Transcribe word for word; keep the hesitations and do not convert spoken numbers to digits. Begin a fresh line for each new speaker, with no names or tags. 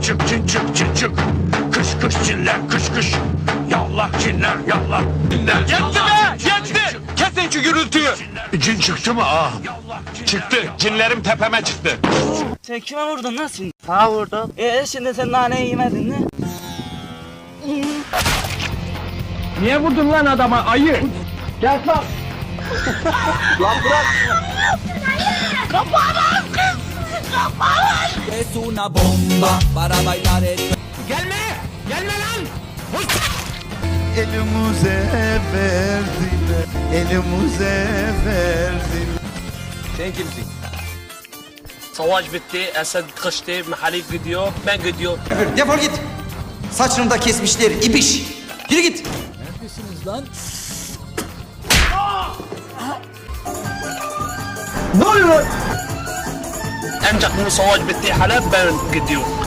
çık cin çık cin çık. Kış kış cinler kış kış. Yallah cinler yallah. Cinler,
Yetti be! Yetti! Kesin şu gürültüyü!
cin çıktı mı ah?
Çıktı. Cinlerim tepeme çıktı.
Sen kime vurdun lan şimdi? Sağa vurdum. Ee şimdi sen naneyi yemedin mi?
Niye vurdun lan adama ayı? Gel lan. Lan bırak.
Es una bomba para bailar el...
Gelme! Gelme lan!
Elimize verdiler, elimize verdiler.
Sen kimsin?
Savaş bitti, Esed kaçtı, Mahalik gidiyor, ben gidiyorum.
Defol git. Saçını da kesmişler ibiş. Yürü git.
Neredesiniz lan?
Ancak bu savaş bitti, hala ben gidiyorum.